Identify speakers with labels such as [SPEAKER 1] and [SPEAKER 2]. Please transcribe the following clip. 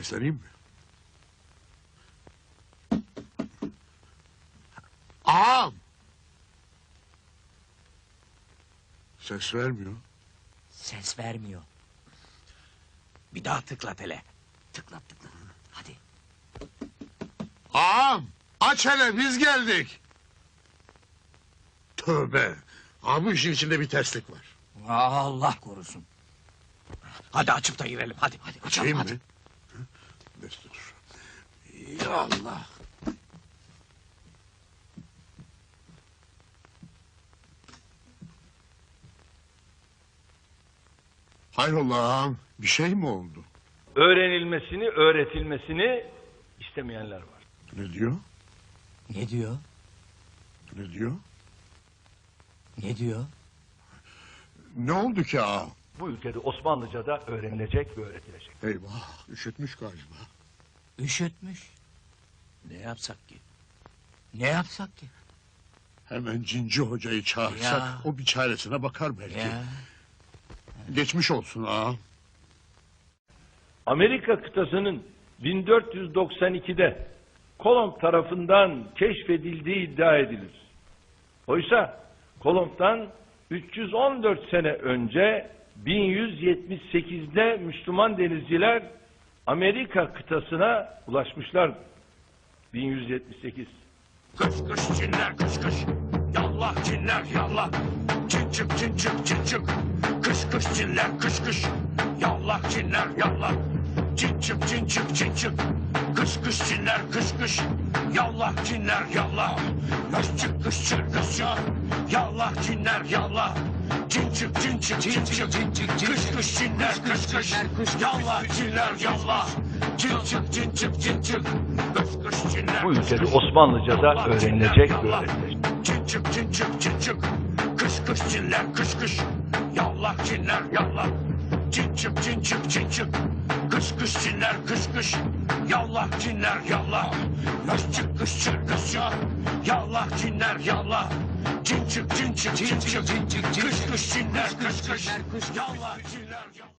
[SPEAKER 1] Sesleneyim mi? Ağam! Ses vermiyor.
[SPEAKER 2] Ses vermiyor. Bir daha tıklat hele. Tıklat. Hadi.
[SPEAKER 1] Ağam! Aç hele, biz geldik. Tövbe! Ağam, bu işin içinde bir terslik var.
[SPEAKER 2] Allah korusun. Hadi açıp da girelim. Hadi açalım
[SPEAKER 1] Açayım
[SPEAKER 2] hadi.
[SPEAKER 1] mı? Destur. Ya Allah! Hayrola ağam, bir şey mi oldu?
[SPEAKER 3] Öğrenilmesini, öğretilmesini istemeyenler var.
[SPEAKER 1] Ne diyor?
[SPEAKER 2] Ne diyor?
[SPEAKER 1] Ne diyor?
[SPEAKER 2] Ne diyor?
[SPEAKER 1] Ne oldu ki ağam?
[SPEAKER 3] Bu ülkede Osmanlıca'da öğrenilecek ve öğretilecek.
[SPEAKER 1] Eyvah, üşütmüş galiba.
[SPEAKER 2] Üşütmüş. Ne yapsak ki? Ne yapsak ki?
[SPEAKER 1] Hemen Cinci Hoca'yı çağırsak,
[SPEAKER 2] Ya.
[SPEAKER 1] o bir çaresine bakar belki.
[SPEAKER 2] Ya.
[SPEAKER 1] Geçmiş olsun ağam.
[SPEAKER 3] Amerika kıtasının 1492'de Kolomb tarafından keşfedildiği iddia edilir. Oysa Kolomb'dan 314 sene önce 1178'de Müslüman denizciler Amerika kıtasına ulaşmışlar. 1178.
[SPEAKER 4] Kış kış cinler kış kış. Yallah cinler yallah. Cin çık cin çık cin çık. Kış kış cinler kış kış. Yallah cinler yallah. Cin çık cin çık cin çık. Kış kış cinler kış kış. Yallah cinler yallah. Kış çık kış çık kış çık. Yallah cinler yallah. Cin çık cin çık cin çık. Kış kış cinler kış kış. Yallah cinler yallah. Cin çık cin çık cin çık. Kış kış cinler.
[SPEAKER 3] Bu ülkede Osmanlıca'da öğrenilecek ve öğretilecek.
[SPEAKER 4] Cin çık cin çık cin çık. Kış kış cinler kış kış. Yallah cinler yallah. Cin çık cin çık cin çık. Kış kış cinler kış kış. Yallah cinler yallah. Kış çık kış çık kış çık. Yallah cinler yallah. Cin çık cin çık cin çık. Kış kış cinler kış kış. Yallah cinler yallah.